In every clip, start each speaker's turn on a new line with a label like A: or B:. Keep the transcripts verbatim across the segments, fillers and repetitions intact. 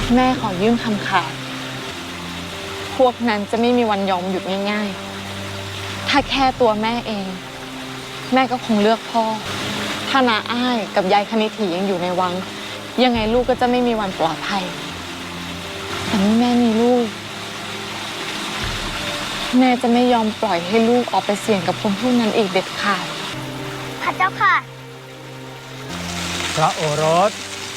A: แม่ขอยื่นคำขาดพวกนั้นจะไม่มีวันยอมหยุดง่ายๆถ้าแค่ตัวแม่เองแม่ก็คงเลือกพ่อถ้าน้าอ้ายกับยายคณิถียังอยู่ในวังยังไงลูกก็จะไม่มีวันปลอดภัยแต่นี่แม่มีลูกแม่จะไม่ยอมปล่อยให้ลูกออกไปเสี่ยงกับคนพวกนั้นอีกเด็ดขาด
B: พระเจ้าค่ะ
C: พระโอรส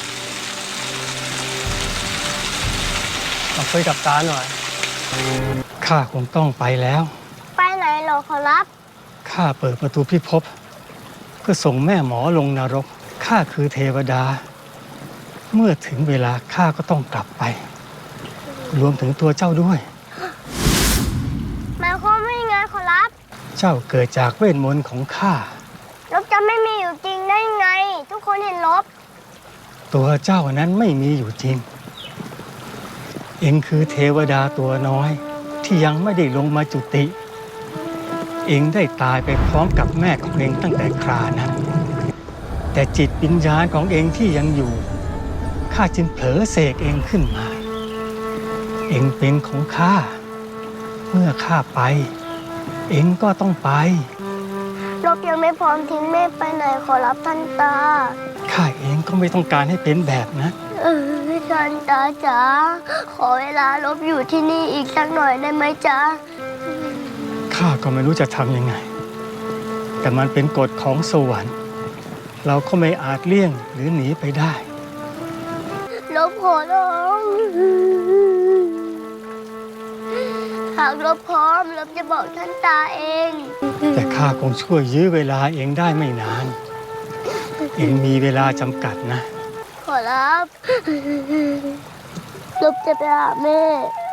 C: มาคุยกับตาหน่อยข้าคงต้องไปแล้ว
B: ไปไหนหรอขอรับ
C: ข้าเปิดประตูพิภพเพื่อส่งแม่หมอลงนรกข้าคือเทวดาเมื่อถึงเวลาข้าก็ต้องกลับไปรวมถึงตัวเจ้าด้วย
B: หมายความว่ายังไงขอรับ
C: เจ้าเกิดจากเวทมนต์ของข้า
B: ลบจะไม่มีอยู่จริงได้ไงทุกคนเห็นลบ
C: ตัวเจ้านั้นไม่มีอยู่จริงเองคือเทวดาตัวน้อยที่ยังไม่ได้ลงมาจุติเองได้ตายไปพร้อมกับแม่ของเองตั้งแต่ครานั้นแต่จิตวิญญาณของเองที่ยังอยู่ข้าจึงเผลอเสกเองขึ้นมาเองเป็นของข้าเมื่อข้าไปเองก็ต้องไป
B: ลบยังไม่พร้อมทิ้งแม่ไปไหนขอรับท่านตา
C: ข้าเองก็ไม่ต้องการให้เป็นแบบนั้น
B: เออท่านตาจ๋าขอเวลาลบอยู่ที่นี่อีกสักหน่อยได้ไหมจ๊ะ
C: ข้าก็ไม่รู้จะทำยังไงแต่มันเป็นกฎของสวรรค์เราก็ไม่อาจเลี่ยงหรือหนีไปได้
B: ลบขอร้องหากลบพร้อมลบจะบอกท่านตาเอง
C: แต่ข้าคงช่วยยื้อเวลาเองได้ไม่นานเองมีเวลาจำกัดนะ
B: ขอรับลบจะไปหาแม่